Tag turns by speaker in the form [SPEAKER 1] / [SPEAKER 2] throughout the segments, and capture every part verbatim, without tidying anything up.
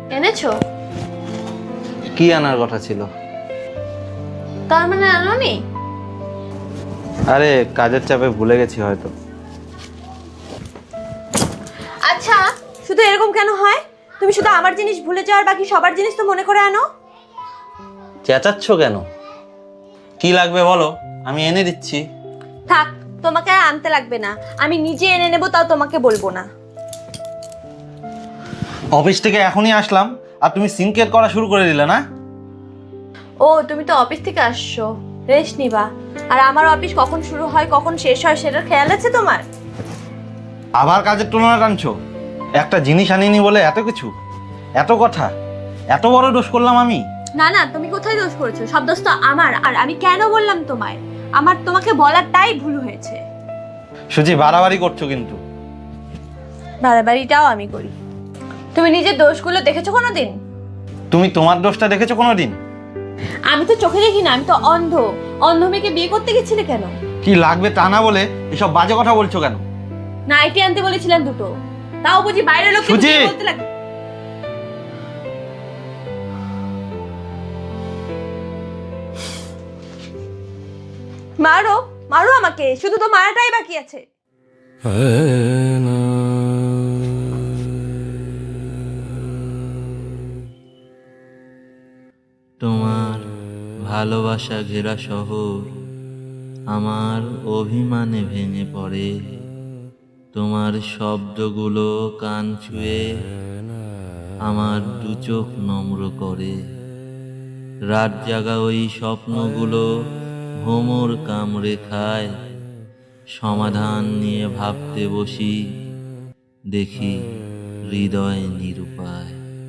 [SPEAKER 1] এনেছো?
[SPEAKER 2] কি আনার কথা ছিল?
[SPEAKER 1] তার মানে আনোনি?
[SPEAKER 2] আরে কাজের চাপে ভুলে গেছি হয়তো।
[SPEAKER 1] আচ্ছা, শুধু এরকম কেন হয়? তুমি শুধু আমার জিনিস ভুলে যাও আর বাকি সবার জিনিস তো মনে করে আনো।
[SPEAKER 2] চেঁচাচ্ছ কেন? কি লাগবে বলো, আমি এনে দিচ্ছি।
[SPEAKER 1] থাক, তোমাকে আর আনতে লাগবে না, আমি নিজে এনে নেবো, তাও তোমাকে বলবো না।
[SPEAKER 2] অফিস থেকে এখনই আসলাম আর তুমি সিনকেয়ার করা শুরু করে দিলে না?
[SPEAKER 1] ও, তুমি তো অফিস থেকে আসছো, রেস্ট নিবা। আর আমার অফিস কখন শুরু হয় কখন শেষ হয় সেটার খেয়াল আছে তোমার?
[SPEAKER 2] আবার কাজের তুলনা টানছো? একটা জিনিস আনিনি বলে এত কিছু, এত কথা, এত বড় দোষ করলাম আমি?
[SPEAKER 1] না না, তুমি কোথায় দোষ করেছো? সব দোষ তো আমার। আর আমি কেন বললাম তোমায়, আমার তোমাকে বলাটাই ভুল হয়েছে।
[SPEAKER 2] সুজি, বাড়াবাড়ি করছো কিন্তু।
[SPEAKER 1] বাড়াবাড়িটাও আমি করি। তুমি নিজের দোষগুলো দেখেছো কোনোদিন?
[SPEAKER 2] তুমি তোমার দোষটা দেখেছো কোনোদিন?
[SPEAKER 1] আমি তো চোখে দেখি না, আমি তো অন্ধ। অন্ধ মেয়েকে বিয়ে করতে গেছিলে কেন?
[SPEAKER 2] কি লাগবে তা না বলে এসব বাজে কথা বলছো কেন?
[SPEAKER 1] নাইটি আনতে বলেছিলেন দুটো, তাও বুঝি বাইরের লোককে
[SPEAKER 2] সুজি!
[SPEAKER 1] বিয়ে বলতে লাগে। মারো, মারো আমাকে, শুধু তো মারাটাই বাকি আছে।
[SPEAKER 3] তোমার ভালোবাসা ঘেরা শহর আমার অভিমানে ভেঙে পড়ে। তোমার শব্দগুলো কান ছুঁয়ে আমার দু চোখ নম্র করে। রাত জাগা ওই স্বপ্নগুলো ভোমর কামড়ে খায়। সমাধান নিয়ে ভাবতে বসি, দেখি হৃদয় নিরুপায়।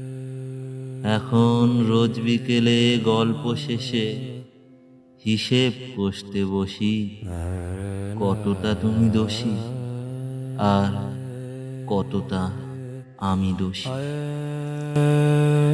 [SPEAKER 3] এখন রোজ বিকেলে গল্প শেষে হিসেব কষতে বসি, কতটা তুমি দোষী আর কতটা আমি দোষী।